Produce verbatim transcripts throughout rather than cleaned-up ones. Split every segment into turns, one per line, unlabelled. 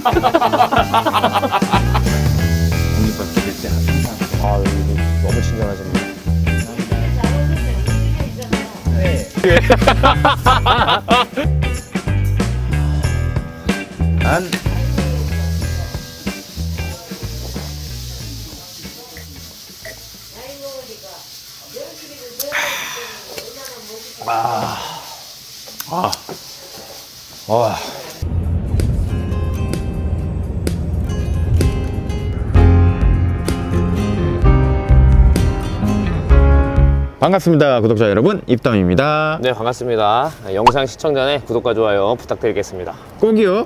독립받게 될 때 항상.
아, 여기 너무 친절하십니다.
안. 아. 아. 와. 반갑습니다, 구독자 여러분. 입담입니다.
네, 반갑습니다. 영상 시청 전에 구독과 좋아요 부탁드리겠습니다.
꼭이요.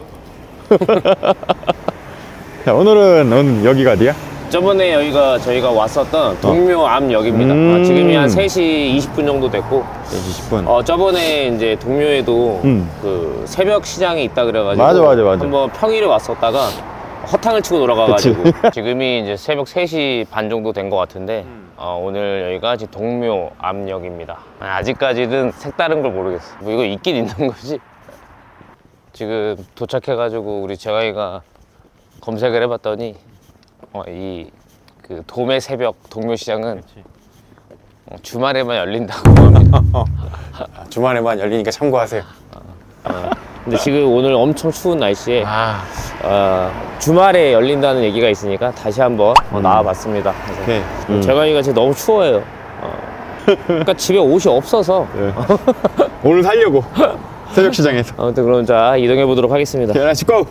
자, 오늘은 오늘 여기가 어디야?
저번에 여기가 저희가 왔었던 동묘암역입니다.
음.
어, 지금이 한 세 시 이십 분 정도 됐고,
이십 분.
어, 저번에 이제 동묘에도
음.
그 새벽 시장이 있다 그래가지고
맞아, 맞아, 맞아.
한번 평일에 왔었다가 허탕을 치고 돌아가가지고 지금이 이제 새벽 세 시 반 정도 된 것 같은데
음.
어, 오늘 여기가 지금 동묘암역입니다. 아직까지는 색다른 걸 모르겠어. 뭐 이거 있긴 있는 거지. 지금 도착해가지고 우리 재화이가 검색을 해봤더니 어, 이 그 도매 새벽 동묘시장은 어, 주말에만 열린다고 합니다.
주말에만 열리니까 참고하세요.
어, 근데 지금 오늘 엄청 추운 날씨에
아,
어, 주말에 열린다는 얘기가 있으니까 다시 한번 어, 나와봤습니다. 그래서
오케이. 음.
재관이가 지금 너무 추워요. 어. 그러니까 집에 옷이 없어서.
네. 오늘 살려고 새벽 시장에서.
아무튼 그럼 자 이동해 보도록 하겠습니다.
하나씩 고!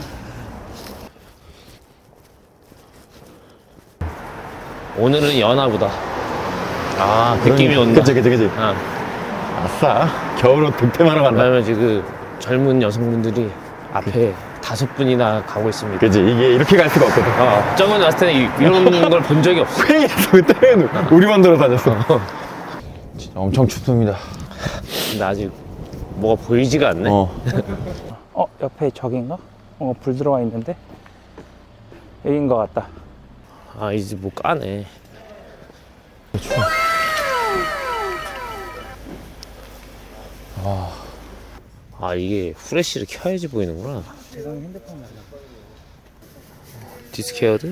오늘은 연하보다.
아,
느낌이 온다.
그치, 그치, 그치.
어.
아싸. 겨울옷 득템하러 간다.
왜냐면 지금 젊은 여성분들이 앞에 다섯 분이나 가고 있습니다.
그치, 이게 이렇게 갈 수가 없거든.
어, 저번에 왔을 때는 이- 이런 걸 본 적이 없어.
회의에서 그때는 우리만 돌아다녔어. 진짜 엄청 춥습니다.
근데 아직 뭐가 보이지가 않네.
어.
어, 옆에 저긴가? 어, 불 들어와 있는데? 여긴 것 같다.
아 이제 뭐 까네. 아 이게 후레쉬를 켜야지 보이는구나.
세상에 핸드폰 말이야.
디스케어드?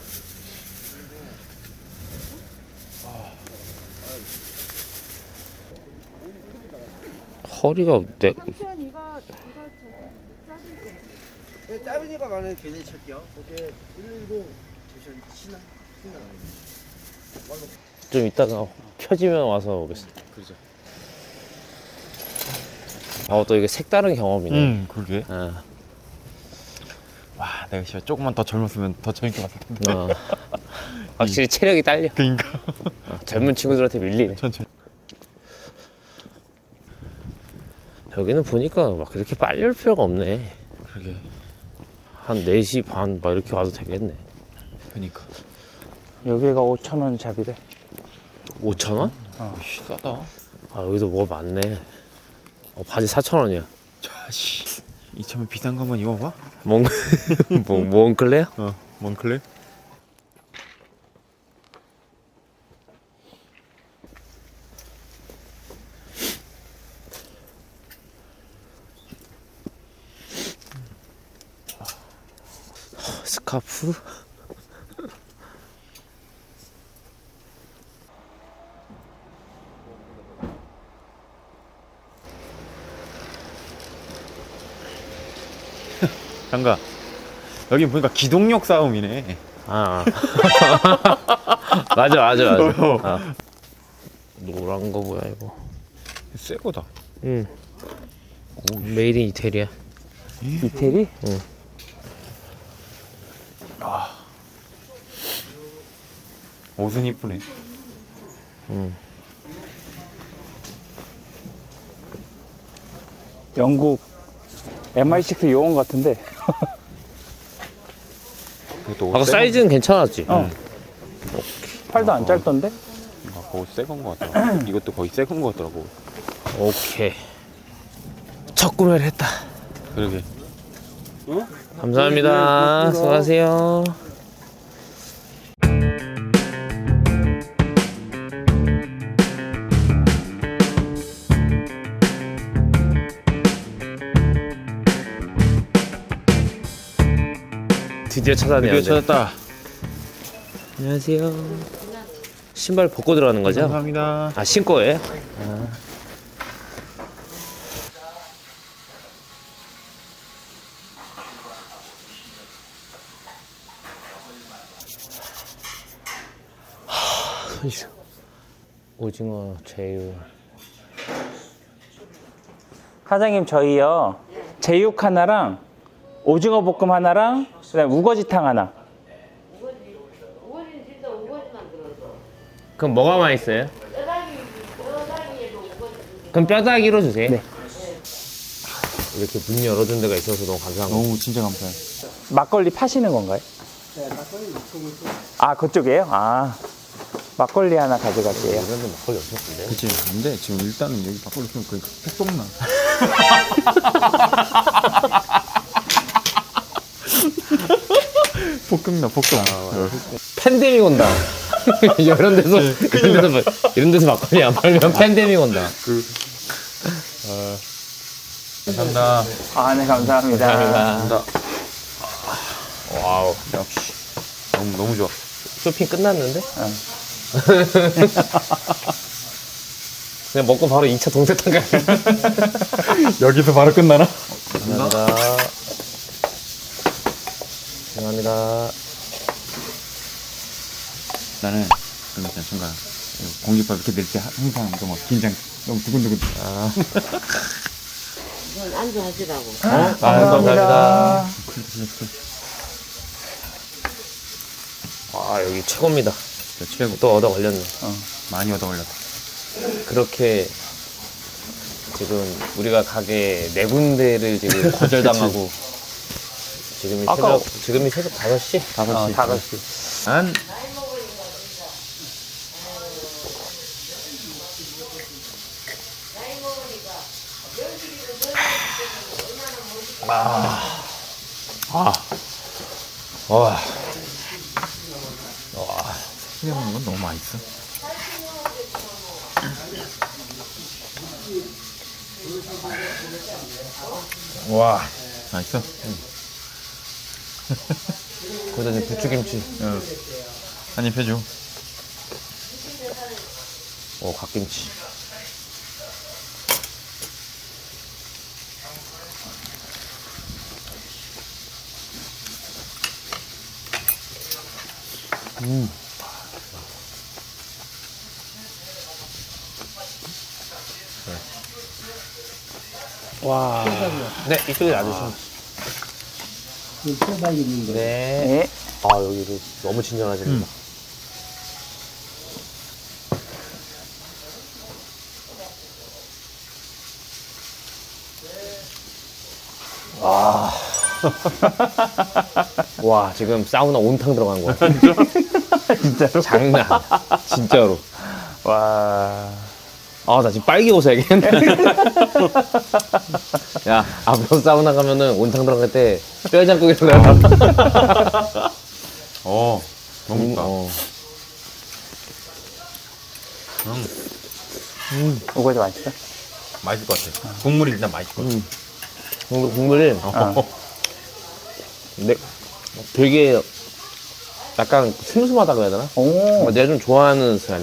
허리가 내
네, 짧은 이가 많은 괜히 찰게요. 거기에 일일구 주셔 신나 신나.
좀 이따가 켜지면 와서 오겠습니다.
그러죠.
어, 또 이게 색다른 경험이네.
음, 그러게.
어,
와, 내가 진짜 조금만 더 젊었으면 더 재밌게 봤을 텐데.
어. 확실히 체력이 딸려.
그니까.
어, 젊은 친구들한테 밀리네.
천천히.
여기는 보니까 막 그렇게 빨리 올 필요가 없네.
그러게.
한 네 시 반 막 이렇게 와도 되겠네.
그니까.
여기가 오천 원 잡이래.
오천 원?
씨, 싸다.
아, 여기도 뭐가 많네. 어, 바지 사천 원이야.
자씨. 이참에 비싼 거만 입어봐.
몽, 뭐, 몽클레야?
어, 몽클레.
스카프?
장가. 여기 보니까 기동력 싸움이네.
아. 맞아, 맞아, 맞아.
어.
아. 노란 거 뭐야, 이거?
새 거다.
응. 메이드 인 이태리야.
이태리?
옷은 이쁘네.
영국 엠아이 식스 요원 같은데.
그것도
아까 사이즈는 괜찮았지?
어. 팔도 안 짧던데?
아, 그거 새건 거 같더라. 이것도 거의 새건 거 같더라고.
오케이. 첫 구매를 했다.
그러게.
감사합니다. 수고하세요. 드디어 찾아내야 돼.
드디어 찾았다.
안녕하세요. 신발 벗고 들어가는 거죠?
감사합니다.
아, 신고예요? 하, 오징어 제육.
사장님 저희요 제육 하나랑 오징어 볶음 하나랑 그다음 우거지탕 하나.
우거지는 진짜 우거지만 들어서
그럼 뭐가 맛있어요?
뼈다귀 뼈다귀에도 우거지
그럼 뼈다귀로 주세요.
네.
이렇게 문 열어준 데가 있어서 너무 감사합니다.
너무 진짜 감사해.
막걸리 파시는 건가요?
네, 막걸리 유통을 또
아 그쪽이에요? 아 막걸리 하나 가져갈게요.
이런 데 막걸리 없을 텐데.
그치. 근데 지금 일단은 여기 막걸리 피면 그 폭동나. 폭동나 폭동.
팬데믹 온다. 이런 데서 이런 데서 이런 데서 막걸리 안 팔면 팬데믹 온다.
감사합니다.
아 네 감사합니다.
감사합니다. 와우.
역시 너무 너무 좋아.
쇼핑 끝났는데? 그냥 먹고 바로 이 차 동태탕 가요.
여기서 바로 끝나나?
감사합니다. 감사합니다.
나는 그런 거 있잖아 순간 공깃밥 이렇게 낼 때 항상 너무 긴장 너무 두근두근. 아,
이건 안주 하시라고
아, 감사합니다. 아, 여기 최고입니다.
진짜 최고.
또 얻어 걸렸네.
어, 많이 얻어 걸렸다.
그렇게 지금 우리가 가게 네 군데를 지금 거절당하고 지금이
아까-
새벽 지금이 새벽 다섯 시?
다섯
어,
시.
다섯 시.
난
와,
크게 먹는 건 너무 맛있어.
와,
맛있어?
거기다 이제 부추김치,
응. 한입 해줘.
어, 갓김치.
와.
네, 이쪽에 놔주시면.
그 뼈다귀 있는 거.
네.
네.
아, 여기도 너무 친절하십니다. 와. 와, 지금 사우나 온탕 들어간 거 같아.
진짜로?
장난 아니야. 진짜로.
와.
아, 나 지금 빨개 옷해야겠네. 야, 앞으로 사우나 가면은 온탕 들어갈 때 뼈장국에 들어가.
어, 너무 좋다.
어.
응,
우거지 맛있어?
맛있을 것 같아. 국물이 일단 맛있을 것 같아.
국물, 국물이
어.
근데 되게 약간 슴슴하다고 해야 되나?
오.
내가 좀 좋아하는 스타일이야.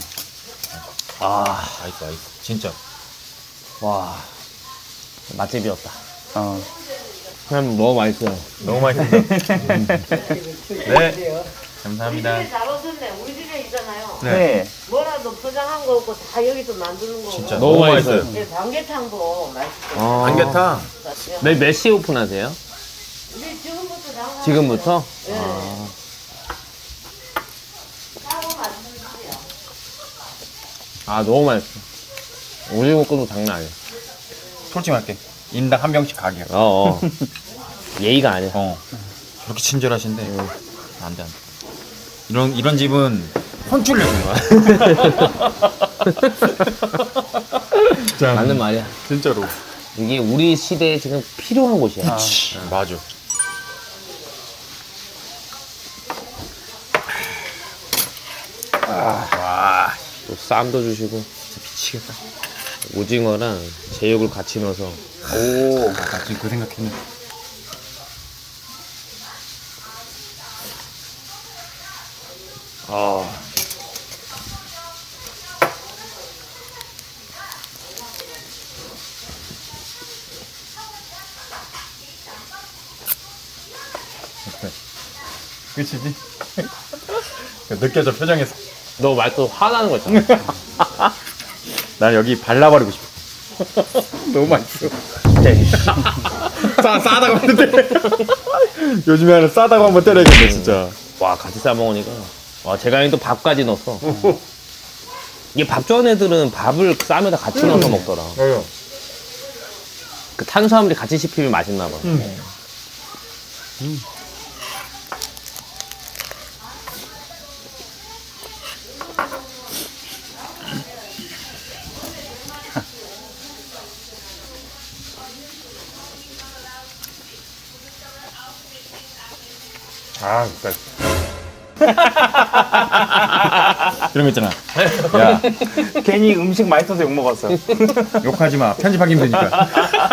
아, 맛있어, 맛있어. 진짜.
와, 맛집이었다.
어.
그냥 너무 맛있어요.
너무 맛있습니다. 음. 네, 감사합니다.
우리 집에 잘 오셨네 우리 집에 있잖아요
네.
네.
뭐라도 포장한 거 없고 다 여기서 만드는 거고
진짜
너무 맛있어요.
네, 방개탕도 맛있고
아.
삼계탕.
내일 몇 시에 오픈하세요?
우리 지금부터 장사
지금부터?
네.
아.
따로 만드세요
아, 너무 맛있어. 오징어 볶음도 장난 아니야.
솔직히 말할게. 인당 한 병씩 가게야.
어, 어. 예의가 아니야.
어. 저렇게 친절하신데. 안 돼, 안 돼. 이런, 이런 집은 혼쭐 내는 거야. 진짜.
맞는 말이야.
진짜로.
이게 우리 시대에 지금 필요한 곳이야.
그치. 맞아. 와,
또 쌈도 주시고
미치겠다.
오징어랑 제육을 같이 넣어서
오. 나 지금 그 생각했네. 아. 끝이지? 느껴져 표정에서.
너 말투 화나는 거 있잖아.
난 여기 발라버리고 싶어. 너무 맛있어.
진짜.
싸, 싸다고 하는데. 요즘에 하는 싸다고 한번 때려야겠네, 진짜.
와, 같이 싸 먹으니까. 와, 제가 또 밥까지 넣었어. 이게 밥 좋아하는 애들은 밥을 쌈에다 같이 넣어서 먹더라.
맞아.
그 탄수화물이 같이 씹히면 맛있나 봐.
아, 진짜. 그런 거 있잖아. 야,
괜히 음식 맛있어서 욕 먹었어.
욕하지 마. 편집하기 힘드니까.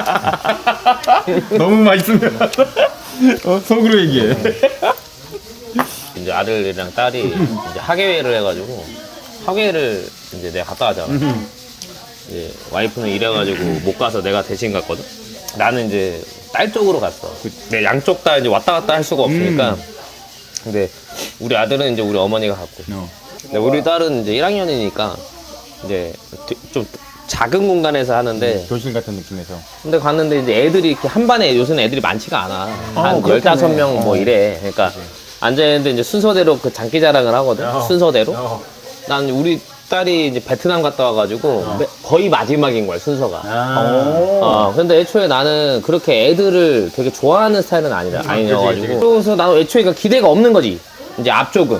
너무 맛있으면 어, 속으로 얘기해.
이제 아들이랑 딸이 이제 학예회를 해가지고 학예회를 이제 내가 갔다 가잖아. 이제 와이프는 일해가지고 못 가서 내가 대신 갔거든. 나는 이제 딸 쪽으로 갔어. 내 양쪽 다 이제 왔다 갔다 할 수가 없으니까. 근데 우리 아들은 이제 우리 어머니가 갔고.
어.
근데 우리 딸은 이제 일 학년이니까 이제 좀 작은 공간에서 하는데.
교실 같은 느낌에서.
근데 갔는데 이제 애들이 이렇게 한 반에 요새는 애들이 많지가 않아. 한
그렇겠네.
열다섯 명 뭐 이래. 그러니까 앉아있는데 이제 순서대로 그 장기 자랑을 하거든. 순서대로. 난 우리 딸이 이제 베트남 갔다 와가지고 거의 마지막인 거야, 순서가. 어, 근데 애초에 나는 그렇게 애들을 되게 좋아하는 스타일은 아니라, 아니어가지고. 그래서 나는 애초에 그러니까 기대가 없는 거지. 이제 앞쪽은.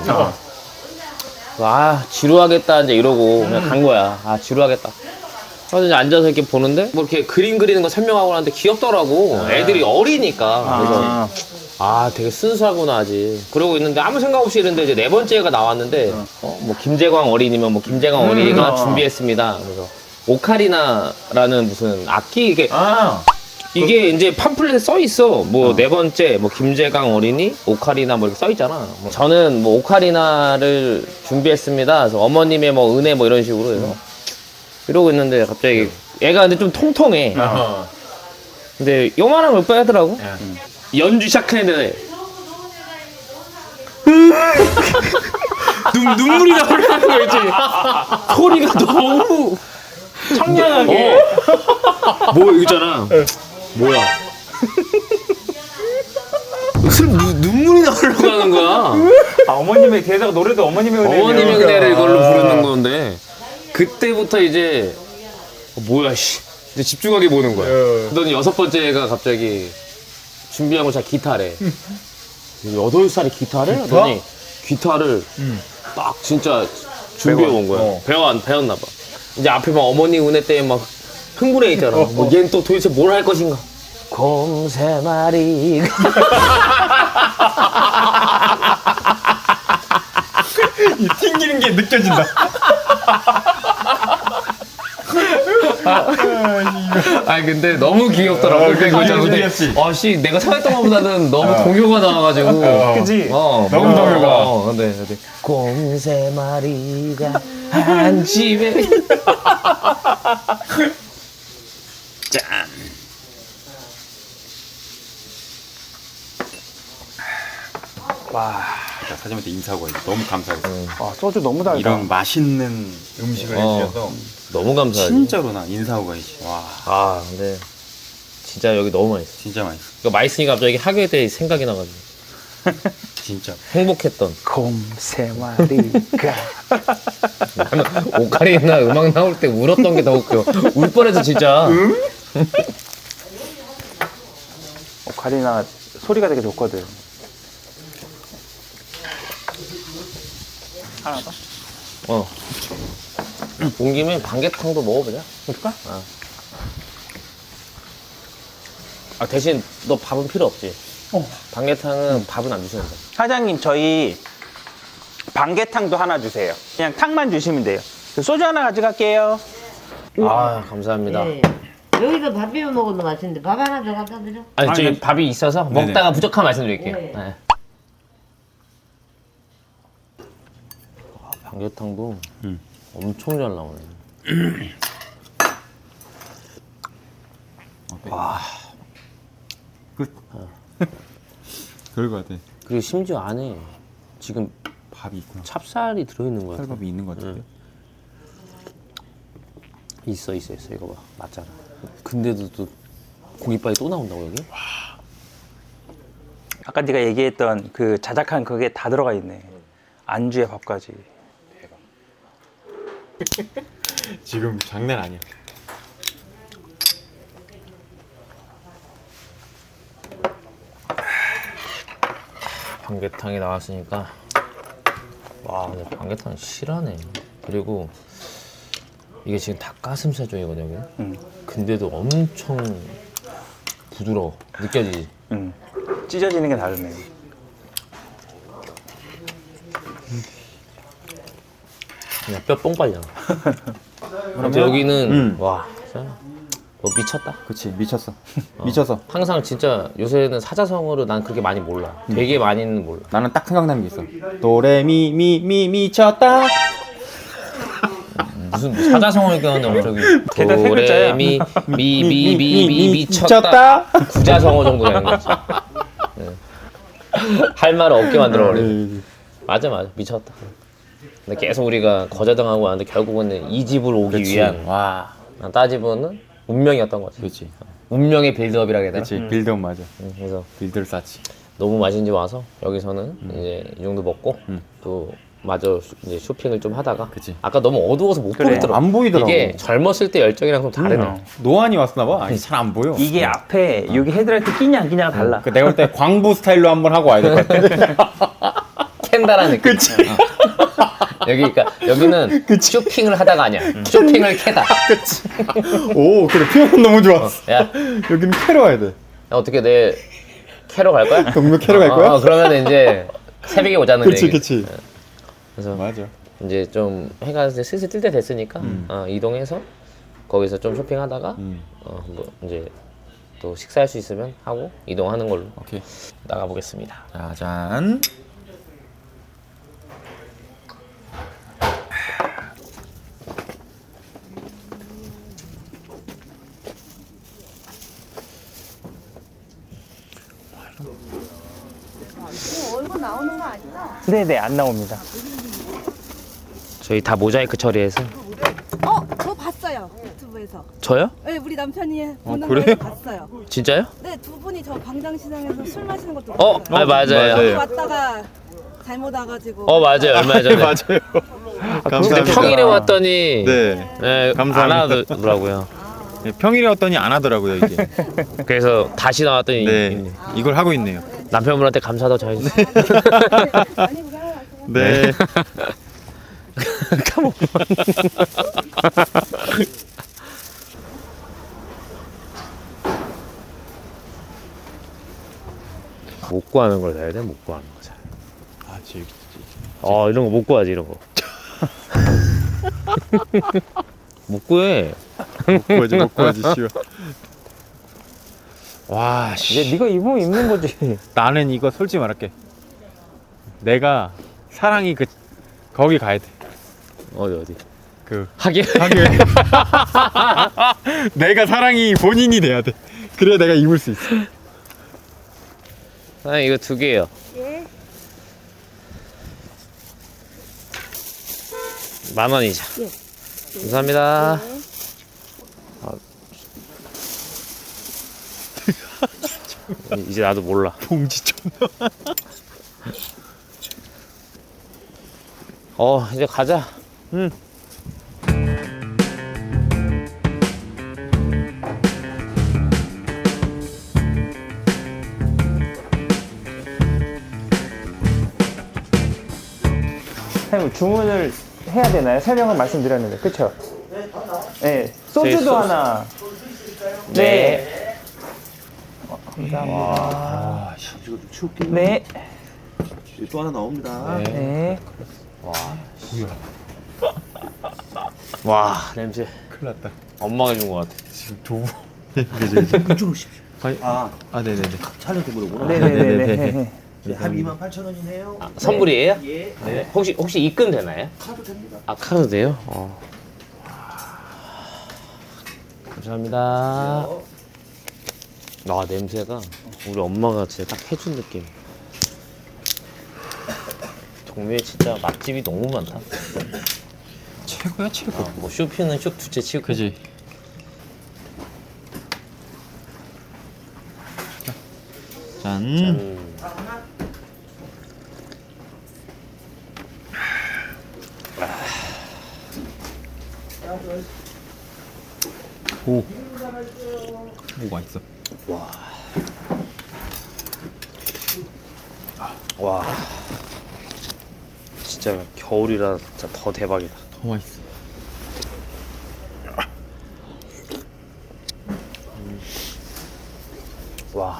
아, 지루하겠다, 이제 이러고 그냥 간 거야. 아, 지루하겠다. 그래서 이제 앉아서 이렇게 보는데, 뭐 이렇게 그림 그리는 거 설명하고 하는데 귀엽더라고. 애들이 어리니까. 그래서,
아,
아, 되게 순수하구나, 아직. 그러고 있는데 아무 생각 없이 이랬는데 이제 네 번째가 나왔는데, 어, 뭐, 김재광 어린이면 뭐, 김재광 어린이가
어.
준비했습니다. 그래서, 오카리나라는 무슨 악기, 이게,
아,
이게 이제 팜플렛에 써 있어. 뭐, 네 번째, 뭐, 김재광 어린이, 오카리나 뭐 이렇게 써 있잖아. 뭐 저는 뭐, 오카리나를 준비했습니다. 그래서 어머님의 뭐, 은혜 뭐 이런 식으로 해서. 이러고 있는데 갑자기, 얘가 근데 좀 통통해.
어.
근데 요만한 걸 빼더라고. 연주 시작했는데 눈, 눈물이 나오는 거 있지. 소리가 너무
청량하게.
어. 뭐 있잖아. 뭐야? 무슨 눈- 눈물이 나오려고 하는 거야.
아, 어머님의 게다가 노래도 어머님의 은혜.
어머님의 은혜를 이걸로 부르는 건데 그때부터 이제 어, 뭐야 씨. 이제 집중하게 보는 거야. 그러더니 여섯 번째가 갑자기 준비한 거 자 기타래. 여덟 살에 기타를? 하더니 기타를 딱 진짜 준비해 온 거야.
어.
배워 안 배웠나 봐. 이제 앞에 막 어머니 은혜 때문에 막 흥분해 있잖아. 뭐 얘는 또 도대체 뭘 할 것인가? 곰 세 마리가
이 튕기는 게 느껴진다.
아 근데 너무 귀엽더라고.
어,
그러니까
그치,
이거 근데
귀엽지.
아씨 내가 생각했던 것보다는 너무 동요가 나와가지고.
그지?
어,
너무
어,
동요가.
어, 근데 근데 곰 세 마리가 한 집에. 짠.
와,
자, 사장님한테 인사하고 와야지. 너무 감사해요.
와, 소주 너무 달다.
이런 맛있는 음식을
어.
해주셔서
너무 감사하지.
진짜로 나 인사하고 가야지. 와,
아 근데 진짜 여기 너무 맛있어.
진짜 맛있어.
이거 맛있으니까 갑자기 학교에 대해 생각이 나가지고
진짜.
행복했던.
곰 세 마리가.
나는 오카리나 음악 나올 때 울었던 게 더 웃겨. 울 뻔해서 진짜.
오카리나 소리가 되게 좋거든. 하나 더?
어. 온 김에 반개탕도 먹어보자.
그럴까?
아 대신 너 밥은 필요 없지.
어.
반개탕은 밥은 안 주시는 거야.
사장님, 저희 반개탕도 하나 주세요. 그냥 탕만 주시면 돼요. 소주 하나 가져갈게요.
아 감사합니다.
네. 여기서 밥 비벼 먹어도 맛있는데 밥 하나 더 갖다 드려?
아니 저기
아니,
밥이 있어서
네네.
먹다가 부족하면 말씀드릴게요.
네.
네. 삼계탕도
음.
엄청 잘 나오네.
와. 끝. 그럴 것 같아.
그리고 심지어 안에 지금
밥이 있구나.
찹쌀이 들어있는 거야.
쌀밥이 있는 것 같은데.
있어 있어 있어. 이거 봐. 맞잖아. 근데도 또 공깃밥이 또 나온다고 여기?
아까 네가 얘기했던 그 자작한 그게 다 들어가 있네. 안주에 밥까지.
지금 장난 아니야.
방개탕이 나왔으니까 와 근데 방개탕이 실하네. 그리고 이게 지금 닭가슴살 쪽이거든 여기.
응.
근데도 엄청 부드러워. 느껴지지?
응. 찢어지는 게 다르네.
그냥 뼈 뽕 빨잖아. 근데 여기는
음.
와 진짜 너 미쳤다.
그치, 미쳤어. 미쳤어.
항상 진짜 요새는 사자성어를 난 그렇게 많이 몰라. 되게 많이는 몰라.
나는 딱 생각나는 게 있어. 도레미 미 미 미쳤다.
무슨 사자성어를 껴놨는데 갑자기
걔가 세 글자야.
도레미 미미미미 미쳤다. 구자성어 정도 되는 거지. 네. 할 말을 없게 만들어버려. 맞아 맞아 미쳤다. 근데 계속 우리가 거저당하고 왔는데 결국은 이 집으로 오기
그치.
위한
와.
난 따지면은 운명이었던 거지.
그렇지.
운명의 빌드업이라 해야 되나?
그렇지. 빌드업 맞아.
응, 그래서
빌드를 쌓지.
너무 맛있는 집 와서 여기서는 이제 이 정도 먹고
음.
또 마저 쇼- 이제 쇼핑을 좀 하다가
그치.
아까 너무 어두워서 못
그래,
보겠더라고.
안 보이더라고.
이게 젊었을 때 열정이랑 좀 다르네.
음.
노안이 왔나 봐. 아니, 잘 안 보여.
이게 앞에 여기 헤드라이트 끼냐 안 끼냐가 달라.
그 내가 볼 때 광부 스타일로 한번 하고 와야 될 것 같아.
캔다라는 느낌.
그치.
어. 여기 그러니까 여기는 쇼핑을 하다가 아니야. 쇼핑을 캐다.
오, 그래. 표현 너무 좋았어.
야, 야
여기는 캐러 와야 돼.
어떻게 내일 캐러 갈 거야?
동묘 캐러 갈 거야?
어, 어, 그러면 이제 새벽에 오자는
그치,
얘기.
그치.
그래서
맞아.
이제 좀 해가 이제 슬슬 뜰 때 됐으니까 어, 이동해서 거기서 좀 쇼핑하다가
음.
어, 뭐 이제 또 식사할 수 있으면 하고 이동하는 걸로
오케이.
나가 보겠습니다.
자, 짠.
얼굴 나오는 거 아니죠?
네네 안 나옵니다.
저희 다 모자이크 처리해서
어, 저 봤어요. 유튜브에서.
저요?
네, 우리 남편이 보는
그래요?
걸 봤어요.
진짜요?
네, 두 분이 저 광장시장에서 술 마시는 것도
어,
봤어요.
아, 맞아요.
여기
맞아요.
왔다가 잘못 와가지고.
어 맞아요 얼마 전에.
맞아요.
근데
감사합니다.
평일에 왔더니
네.
네, 안
감사합니다.
하더라고요.
네, 평일에 왔더니 안 하더라고요, 이게.
그래서 다시 나왔더니
네. 이걸 하고 있네요.
남편분한테 감사하다고 전해주세요.
많이 고생하셨어요.
네.
못 구하는 걸 사야 돼? 못 구하는 거 잘.
아, 재밌지.
어 이런 거 못 구하지 이런 거. 못 구해.
못 구하지, 못 구하지, 씨발. 와, 씨.
이제 네가 입으면 입는 거지.
나는 이거 솔직히 말할게. 내가 사랑이 그 거기 가야 돼.
어디 어디.
그
하긴.
하긴. 내가 사랑이 본인이 돼야 돼. 그래야 내가 입을 수 있어.
아 이거 두 개요.
예.
만 원이죠.
예.
감사합니다.
네.
이제 나도 몰라.
봉지 좀.
어 이제 가자.
응.
사장님 주문을 해야 되나요? 설명을 말씀드렸는데 그쵸? 네.
저희
소주도
소주.
하나.
네.
어, 감사합니다.
아, 이거 좀 치울게요.
네.
또 하나 나옵니다.
네.
와 냄새.
큰일 났다.
엄마가 준 것 같아.
지금 도부. 그죠, 그죠.
이쪽으로 오십시오.
아니,
아,
아, 네네네.
촬영 때문에 오구나.
네네네네.
네, 한 이만 팔천 원이네요.
아, 선물이에요?
예.
네. 혹시 혹시 입금 되나요?
카드 됩니다.
아 카드 돼요? 어. 감사합니다. 아 냄새가 우리 엄마가 진짜 딱 해준 느낌. 동묘에 진짜 맛집이 너무 많다.
최고야 최고.
아, 뭐 쇼핑은 쇼 두째 치고.
그지. 짠.
음.
오. 오 맛있어.
와. 진짜 겨울이라 진짜 더 대박이다.
더 맛있어.
와.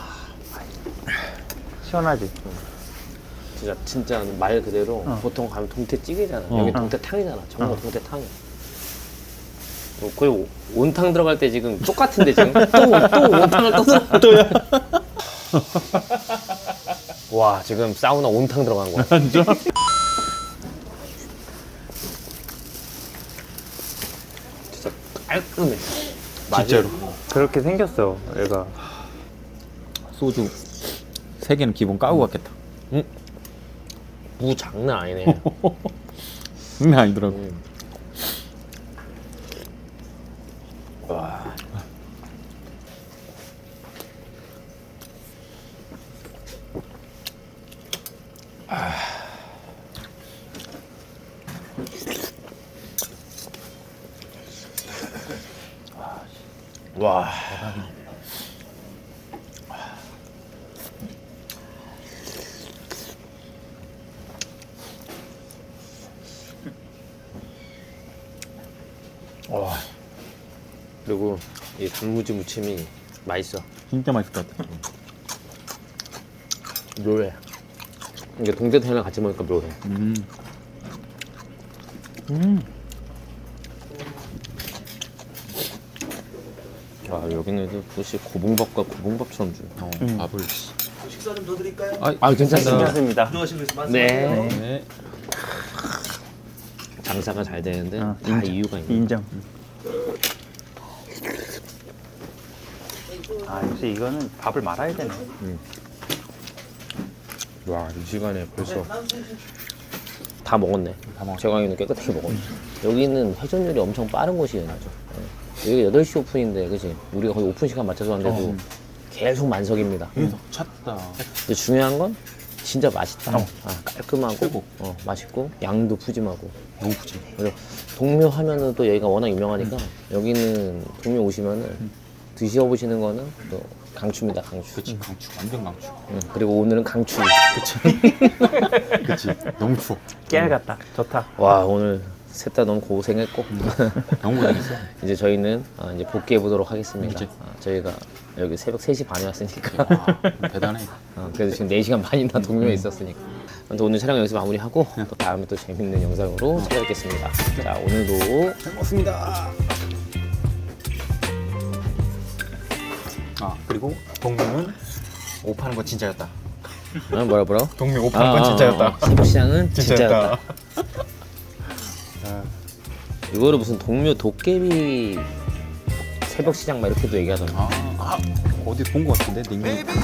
시원하지?
진짜 진짜 말 그대로
어.
보통 가면 동태찌개잖아.
어.
여기 동태탕이잖아. 정말
어.
동태탕이야. 뭐 거의 오- 온탕 들어갈 때 지금 똑같은데 지금 또 또 온탕을 떠서 또야. 와 지금 사우나 온탕 들어간 거야.
진짜?
진짜 깔끔해.
진짜로.
그렇게 생겼어, 얘가.
소주 세 개는 기본 까고 갔겠다.
무 장난 아니네.
장난 아니더라고.
음. 와. 와. 와. 그리고 이 단무지 무침이 맛있어.
진짜 맛있을 것 같아.
묘해. 이게 동태탕이랑 같이 먹으니까 묘해.
음. 음.
와 여기는 혹시 고봉밥과 고봉밥처럼 줘.
어,
음.
밥을.
식사 좀 더 드릴까요?
아,
아 괜찮습니다.
괜찮습니다.
들어가시고 말씀하세요.
네.
네.
장사가 잘 되는데
어,
다 이유가 있네.
인정. 아, 역시 이거는 밥을 말아야 되네.
와 이 시간에 벌써 다 먹었네.
다 먹었어.
제광이는 깨끗하게 먹었네. 여기는 회전율이 엄청 빠른 곳이에요. 네. 여기 여덟 시 오픈인데 그치? 우리가 거의 오픈 시간 맞춰서 왔는데도
어.
계속 만석입니다.
계속 찼다.
근데 중요한 건 진짜 맛있다.
어.
아, 깔끔하고
최고.
어, 맛있고 양도 푸짐하고.
너무 푸짐.
그래서 동묘 하면은 또 여기가 워낙 유명하니까 여기는 동묘 오시면은 드셔보시는 거는 또 강추입니다. 강추.
그치, 강추. 완전 강추.
응, 그리고 오늘은 강추.
그치. 너무 추워.
깨알 같다. 좋다.
와 오늘 셋 다 너무 고생했고
너무 고생했어.
이제 저희는 아, 이제 복귀해 보도록 하겠습니다.
그치.
아, 저희가 여기 새벽 세 시 반에 왔으니까
와, 대단해.
어, 그래도 지금 네 시간 반이나 동묘에 있었으니까 아무튼 오늘 촬영 여기서 마무리하고 또 다음에 또 재밌는 영상으로 찾아뵙겠습니다. 자 오늘도
잘 먹습니다.
아, 그리고 동묘는 옷 파는 거 진짜였다.
어, 뭐라 뭐라?
동묘 옷 파는 건 진짜였다.
새벽시장은 진짜였다.
진짜였다.
이거를 무슨 동묘 도깨비 새벽시장 막 이렇게도 얘기하던데.
아, 아, 어디 본 거 같은데 닉네임.